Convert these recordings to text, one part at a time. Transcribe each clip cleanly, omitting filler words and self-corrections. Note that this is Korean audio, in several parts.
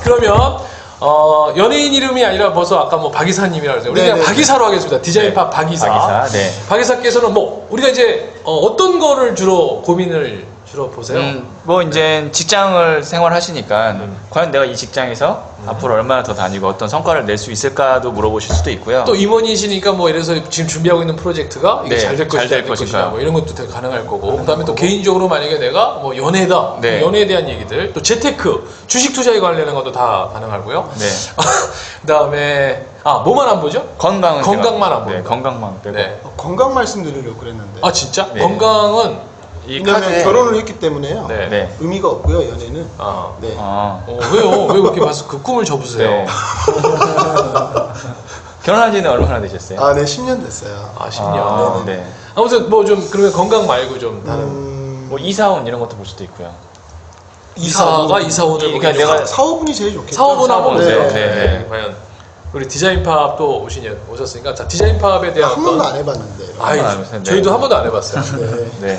그러면 연예인 이름이 아니라 벌써 아까 뭐 박이사님이라고 했어요. 우리 그냥 박이사로 하겠습니다. 디자인팝 박이사. 박이사. 네. 박이사께서는 뭐 우리가 이제 어떤 거를 주로 고민을 주로 보세요? 뭐 이제 직장을 생활하시니까 과연 내가 이 직장에서 앞으로 얼마나 더 다니고 어떤 성과를 낼 수 있을까도 물어보실 수도 있고요. 또 임원이시니까 뭐 이래서 지금 준비하고 있는 프로젝트가 이게 네, 잘 될 것이냐, 될 것이냐 뭐 이런 것도 되게 가능할 거고, 그다음에 또 개인적으로 만약에 내가 뭐 연애다, 네. 연애에 대한 얘기들, 또 재테크, 주식 투자에 관련된 것도 다 가능하고요. 네. 그다음에 뭐만 안 보죠? 건강은 건강만 안 네, 보고. 건강만 빼고. 네. 건강 말씀드리려고 그랬는데. 아 진짜? 네. 건강은 이 왜냐면 카드에 결혼을 했기 때문에요. 네. 네. 의미가 없고요, 연애는. 네. 왜요? 왜 그렇게 봐서 그 꿈을 접으세요? 네. 결혼한 지는 얼마나 되셨어요? 아, 네, 10년 됐어요. 10년. 네. 아무튼 뭐 좀 그러면 건강 말고 좀 다른 뭐 이사원 이런 것도 볼 수도 있고요. 이사가 이사원을 그러니까 보기에는 내가 사업운이 제일 좋겠죠. 사업은 하고 네. 네. 과연 우리 디자인팝도 오셨으니까 자 디자인팝에 대한 한 번도 안 해봤는데. 아이, 안 해봤어요. 저희도 한 번도 안 해봤어요. 네. 네.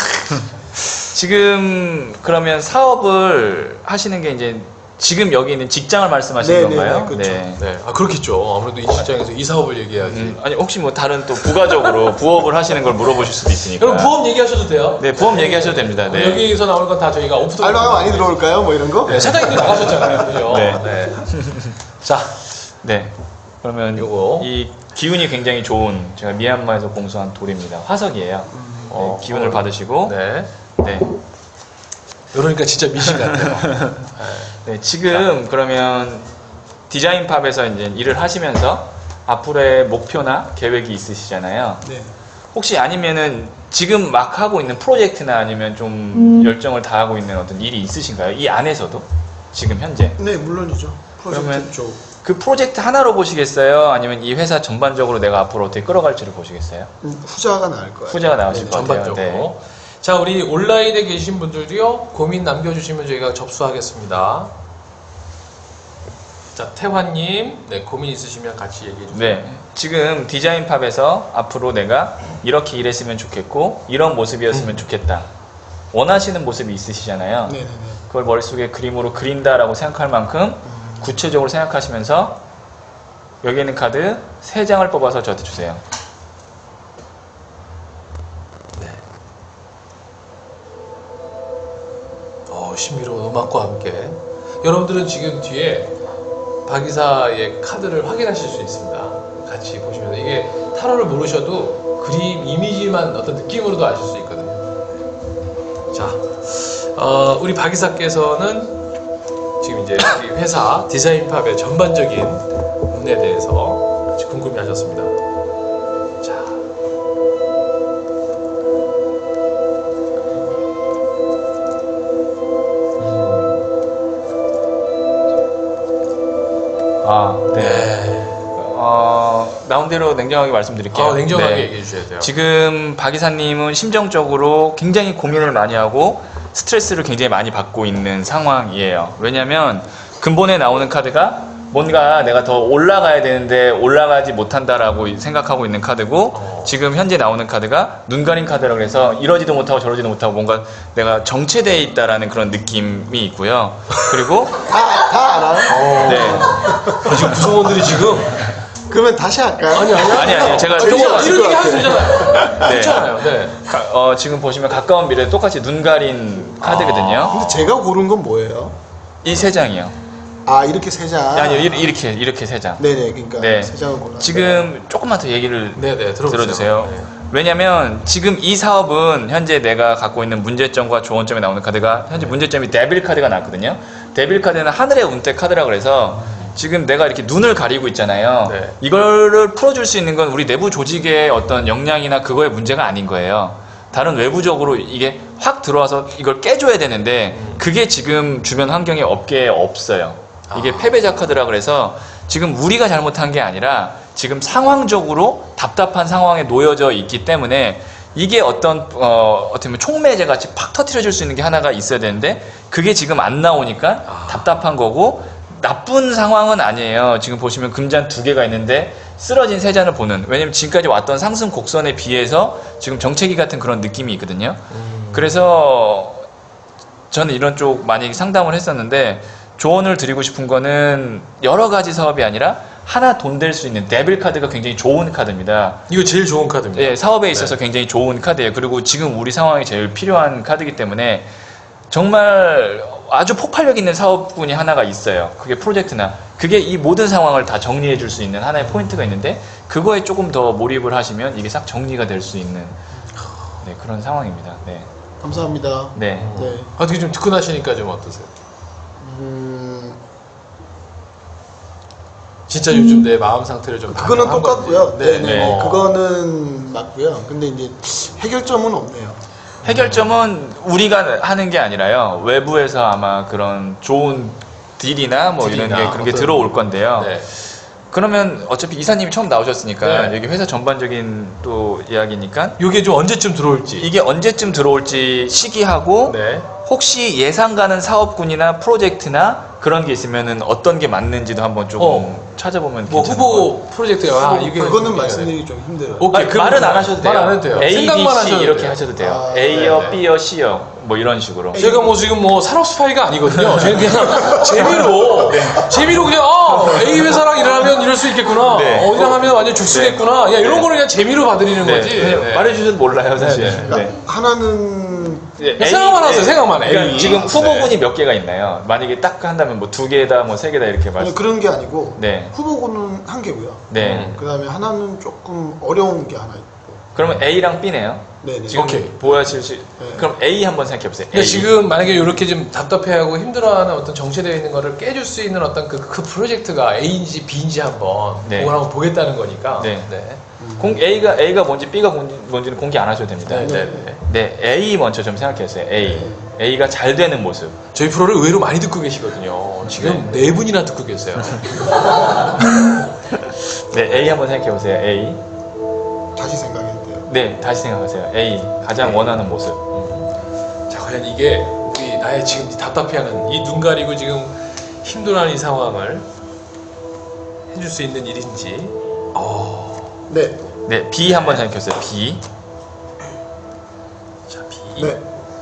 지금 그러면 사업을 하시는 게 이제 지금 여기 있는 직장을 말씀하시는 네, 건가요? 네, 그렇죠. 네, 그렇겠죠. 아무래도 이 직장에서 이 사업을 얘기해야지. 아니 혹시 뭐 다른 또 부가적으로 부업을 하시는 걸 물어보실 수도 있으니까. 그럼 부업 얘기하셔도 돼요. 네, 부업 얘기하셔도 됩니다. 네. 여기서 나오는 건 다 저희가 오프 더 알바가 많이 들어올까요? 뭐 이런 거? 네, 사장님도 나가셨잖아요, 그죠? 네. 자, 네. 그러면 요거. 이 기운이 굉장히 좋은 제가 미얀마에서 공수한 돌입니다. 화석이에요. 네, 기운을 받으시고 네. 네. 이러니까 진짜 미신 같아요. 네, 지금 그러면 디자인팝에서 이제 일을 하시면서 앞으로의 목표나 계획이 있으시잖아요. 네. 혹시 아니면은 지금 막 하고 있는 프로젝트나 아니면 좀 열정을 다하고 있는 어떤 일이 있으신가요? 이 안에서도 지금 현재 네, 물론이죠. 프로젝트 그러면 쪽. 그 프로젝트 하나로 보시겠어요? 아니면 이 회사 전반적으로 내가 앞으로 어떻게 끌어갈지를 보시겠어요? 후자가 나을 거예요. 후자가 나오실 것 같아요. 전반적으로. 네. 자, 우리 온라인에 계신 분들도요, 고민 남겨주시면 저희가 접수하겠습니다. 자, 태환님, 네, 고민 있으시면 같이 얘기해주세요. 네. 지금 디자인팝에서 앞으로 내가 이렇게 일했으면 좋겠고 이런 모습이었으면 좋겠다. 원하시는 모습이 있으시잖아요. 네네네. 그걸 머릿속에 그림으로 그린다라고 생각할 만큼 구체적으로 생각하시면서 여기 있는 카드 3장을 뽑아서 저한테 주세요. 네. 신비로운 음악과 함께 여러분들은 지금 뒤에 박이사의 카드를 확인하실 수 있습니다. 같이 보시면서 이게 타로를 모르셔도 그림 이미지만 어떤 느낌으로도 아실 수 있거든요. 자, 우리 박이사께서는 지금 이제 우리 회사 디자인팝의 전반적인 운에 대해서 궁금해하셨습니다. 자, 네. 나온 대로 냉정하게 말씀드릴게요. 냉정하게 네. 얘기해 주셔야 돼요. 지금 박 이사님은 심정적으로 굉장히 고민을 많이 하고 스트레스를 굉장히 많이 받고 있는 상황이에요. 왜냐하면 근본에 나오는 카드가 뭔가 내가 더 올라가야 되는데 올라가지 못한다라고 생각하고 있는 카드고 지금 현재 나오는 카드가 눈 가린 카드라고 해서 이러지도 못하고 저러지도 못하고 뭔가 내가 정체되어 있다라는 그런 느낌이 있고요. 그리고 다 알아요? 네. 지금 구성원들이 지금 그러면 다시 할까요? 아니요. 제가 이런 조금 얘기 하면 되잖아요. 네. 괜찮아요. 네. 지금 보시면 가까운 미래에 똑같이 눈 가린 카드거든요. 근데 제가 고른 건 뭐예요? 이 3장이요. 이렇게 세 장. 아니요, 이렇게 3장. 네네, 그러니까 네. 세 장을 골랐어요. 지금 조금만 더 얘기를 네네, 들어주세요. 네. 왜냐면 지금 이 사업은 현재 내가 갖고 있는 문제점과 조언점에 나오는 카드가 현재 문제점이 데빌 카드가 나왔거든요. 데빌 카드는 하늘의 운대 카드라 그래서 지금 내가 이렇게 눈을 가리고 있잖아요. 네. 이거를 풀어줄 수 있는 건 우리 내부 조직의 어떤 역량이나 그거의 문제가 아닌 거예요. 다른 외부적으로 이게 확 들어와서 이걸 깨줘야 되는데 그게 지금 주변 환경에 업계에 없어요. 이게 패배자 카드라 그래서 지금 우리가 잘못한 게 아니라 지금 상황적으로 답답한 상황에 놓여져 있기 때문에 이게 어떤 어떻게 보면 촉매제 같이 팍 터트려 줄 수 있는 게 하나가 있어야 되는데 그게 지금 안 나오니까 답답한 거고 나쁜 상황은 아니에요. 지금 보시면 금잔 2개가 있는데 쓰러진 3잔을 보는, 왜냐면 지금까지 왔던 상승 곡선에 비해서 지금 정체기 같은 그런 느낌이 있거든요. 그래서 저는 이런 쪽 많이 상담을 했었는데 조언을 드리고 싶은 거는 여러 가지 사업이 아니라 하나 돈 될 수 있는 데빌 카드가 굉장히 좋은 카드입니다. 이거 제일 좋은 카드입니다. 예, 사업에 있어서 굉장히 좋은 카드예요. 그리고 지금 우리 상황이 제일 필요한 카드이기 때문에 정말 아주 폭발력 있는 사업군이 하나가 있어요. 그게 프로젝트나 그게 이 모든 상황을 다 정리해 줄 수 있는 하나의 포인트가 있는데 그거에 조금 더 몰입을 하시면 이게 싹 정리가 될 수 있는 네, 그런 상황입니다. 네. 감사합니다. 네. 네. 어떻게 좀 듣고 나시니까 좀 어떠세요? 진짜 요즘 내 마음 상태를 좀 그거는 반영한 똑같고요. 건지. 네, 네. 네. 그거는 맞고요. 근데 이제 해결점은 없네요. 해결점은 우리가 하는 게 아니라요. 외부에서 아마 그런 좋은 딜이나 뭐 이런 딜이나 게 그런 게 어떤- 들어올 건데요. 네. 그러면 어차피 이사님이 처음 나오셨으니까 네. 여기 회사 전반적인 또 이야기니까 이게 좀 언제쯤 들어올지. 이게 언제쯤 들어올지 시기하고 네. 혹시 예상 가는 사업군이나 프로젝트나 그런 게 있으면은 어떤 게 맞는지도 한번 조금 찾아보면 뭐 괜찮을 것 같아요. 후보 프로젝트가 아, 이게 그거는 좀- 말씀드리기 좀 힘들어요. 오케이, 아니, 그럼 말은 안 하셔도 돼요. 말 안 해도 돼요. A, B, 생각만 C 하셔도 이렇게 돼요. 하셔도 돼요. 아, A여, 네, 네. B여, C여 뭐 이런 식으로. 제가 뭐 지금 뭐 산업 스파이가 아니거든요. 저는 그냥 재미로 그냥 A 회사랑 일하면 이럴 수 있겠구나. 네. 어디랑 하면 완전 죽쓰겠구나. 야 이런 거를 그냥 재미로 봐드리는 네. 거지. 그냥 네. 말해주셔도 몰라요 사실. 네, 네. 그러니까 하나는 네, 생각만 하세요, 생각만. 그러니까 A. 지금 후보군이 네. 몇 개가 있나요? 만약에 딱 한다면 뭐 2개다, 뭐 3개다 이렇게 아니, 말씀. 그런 게 아니고 네. 후보군은 한 개고요. 네. 음. 그 다음에 하나는 조금 어려운 게 하나 있고. 그러면 A랑 B네요. 네네. 지금 오케이. 보여주실 수. 그럼 A 한번 생각해 보세요. 근데 지금 만약에 이렇게 좀 답답해하고 힘들어하는 어떤 정체되어 있는 거를 깨줄 수 있는 어떤 그 프로젝트가 A인지 B인지 한번 네. 그걸 한번 보겠다는 거니까. 네. A가 뭔지 B가 뭔지는 공개 안 하셔도 됩니다. 네, 네, 네. 네. 네, A 먼저 좀 생각해 보세요. A. A가 잘 되는 모습. 저희 프로를 의외로 많이 듣고 계시거든요. 지금 네 분이나 듣고 계세요. 네, A 한번 생각해 보세요. A. 다시 생각해도 돼요. 네, 다시 생각하세요. A. 가장 원하는 모습. 자, 과연 이게 우리 나의 지금 이 답답해하는 이 눈 가리고 지금 힘들어하는 이 상황을 해줄 수 있는 일인지. 네. 네, B 한번 생각해 보세요. B. 자, B. 네.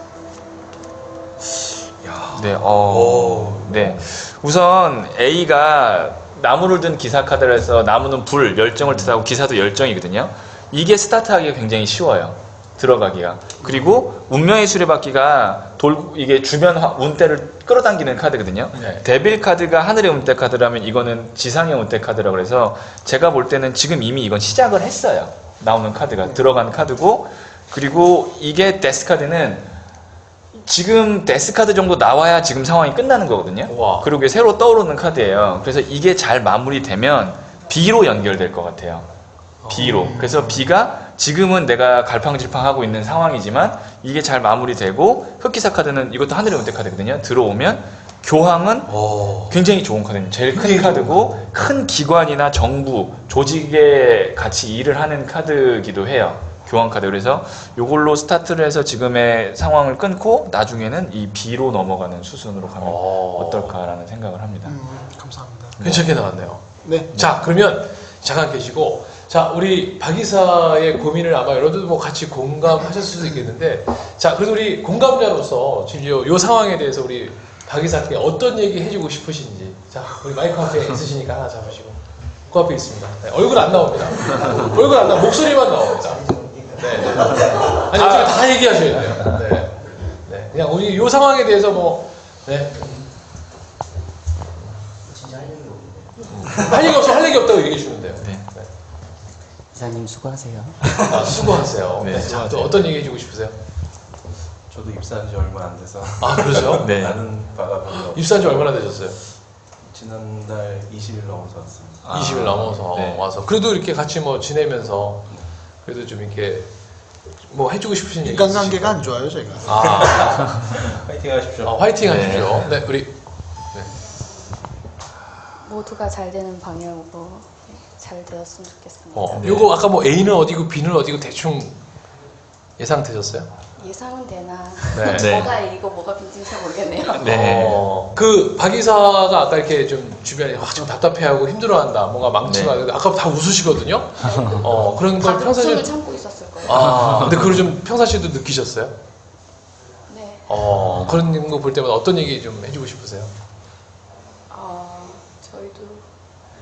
야. 네, 오. 네. 우선 A가 나무를 든 기사 카드를 해서 나무는 불, 열정을 뜻하고 기사도 열정이거든요. 이게 스타트하기가 굉장히 쉬워요. 들어가기가. 그리고 운명의 수레바퀴가 이게 주변 운대를 끌어당기는 카드거든요. 네. 데빌 카드가 하늘의 운대 카드라면 이거는 지상의 운대 카드라고 해서 제가 볼 때는 지금 이미 이건 시작을 했어요. 나오는 카드가 들어간 카드고 그리고 이게 데스 카드는 지금 데스 카드 정도 나와야 지금 상황이 끝나는 거거든요. 와. 그리고 이게 새로 떠오르는 카드예요. 그래서 이게 잘 마무리되면 B로 연결될 것 같아요. B로. 그래서 B가 지금은 내가 갈팡질팡하고 있는 상황이지만 이게 잘 마무리되고 흑기사 카드는 이것도 하늘의 운대 카드거든요. 들어오면 교황은 굉장히 좋은 카드입니다. 제일 큰 카드고 큰 기관이나 정부, 조직에 같이 일을 하는 카드이기도 해요. 교환 카드. 그래서 이걸로 스타트를 해서 지금의 상황을 끊고 나중에는 이 B로 넘어가는 수순으로 가면 어떨까라는 생각을 합니다. 감사합니다. 괜찮게 나왔네요. 네. 자, 그러면 잠깐 계시고, 자, 우리 박 이사의 고민을 아마 여러분들도 뭐 같이 공감하셨을 수도 있겠는데, 자, 그래도 우리 공감자로서 지금 요 상황에 대해서 우리 박 이사께 어떤 얘기 해주고 싶으신지, 자, 우리 마이크 앞에 있으시니까 하나 잡으시고, 그 앞에 있습니다. 네, 얼굴 안 나옵니다. 얼굴 안 나와, 목소리만 나옵니다. 네. 아니, 어차피 다 얘기하셔야 돼요. 네. 네. 그냥 우리 요 상황에 대해서 뭐, 네. 할 얘기 없어, 할 얘기 없다고 얘기해 주면 돼요. 네. 이사님 수고하세요. 아, 수고하세요. 네, 네, 자, 또 어떤 얘기 해주고 싶으세요? 저도 입사한 지 얼마 안 돼서 아, 그러죠? 네. 나는 바가 별로 없 입사한 지 얼마나 되셨어요? 지난달 20일 넘어서 왔습니다. 20일 넘어서 네. 와서. 그래도 이렇게 같이 뭐 지내면서 그래도 좀 이렇게 뭐 해주고 싶으신 얘기 인간관계가 안 좋아요, 제가. 아, 파이팅 하십시오. 화이팅 네. 하십시오. 네, 우리 모두가 잘 되는 방향으로 네, 잘 되었으면 좋겠습니다. 네. 요거 아까 뭐 A는 어디고 B는 어디고 대충 예상 되셨어요? 예상은 되나 네. 네. 뭐가 A고 뭐가 B인지 잘 모르겠네요. 네. 그 박 이사가 아까 이렇게 좀 주변에 좀 답답해하고 힘들어한다, 뭔가 망치가 아까 다 웃으시거든요. 그런 걸 다들 평상시에 웃음을 참고 있었을 거예요. 근데 그걸 좀 평상시에도 느끼셨어요? 네. 그런 거 볼 때마다 어떤 얘기 좀 해주고 싶으세요?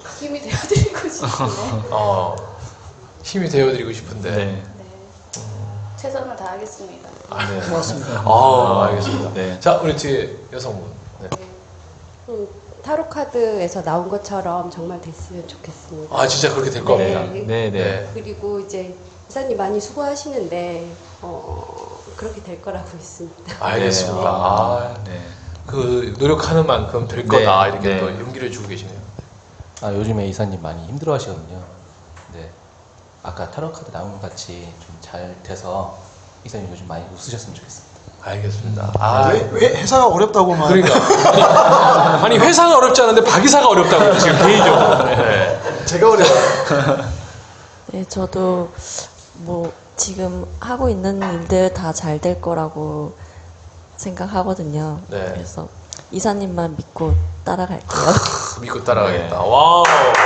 힘이 되어드리고 싶은데. 힘이 되어드리고 싶은데. 네. 네. 최선을 다하겠습니다. 네. 고맙습니다. 알겠습니다. 네. 자, 우리 뒤에 여성분. 네. 타로 카드에서 나온 것처럼 정말 됐으면 좋겠습니다. 진짜 그렇게 될 겁니다. 네. 네, 네. 그리고 이제 이사님 많이 수고하시는데 그렇게 될 거라고 믿습니다. 알겠습니다. 네. 그 노력하는 만큼 될 네. 거다 이렇게 네. 또 용기를 주고 계시네요. 요즘에 이사님 많이 힘들어 하시거든요. 네. 아까 타로 카드 나온 것 같이 좀 잘 돼서 이사님 요즘 많이 웃으셨으면 좋겠습니다. 알겠습니다. 왜 회사가 어렵다고만. 그러니까 아니 회사가 어렵지 않은데 박이사가 어렵다고 지금 개인적으로. 네. 제가 어려워요. 네, 저도 뭐 지금 하고 있는 일들 다 잘 될 거라고 생각하거든요. 네. 그래서 이사님만 믿고 따라갈게요. 믿고 따라가겠다. 와우.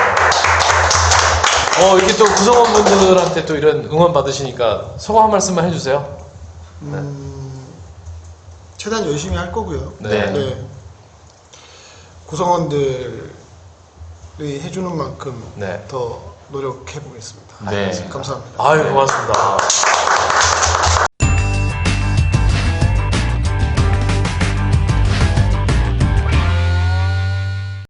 이렇게 또 구성원분들한테 또 이런 응원 받으시니까 소감 한 말씀만 해주세요. 최대한 열심히 할 거고요. 네. 구성원들이 해주는 만큼 네. 더 노력해 보겠습니다. 네. 감사합니다. 아유 고맙습니다.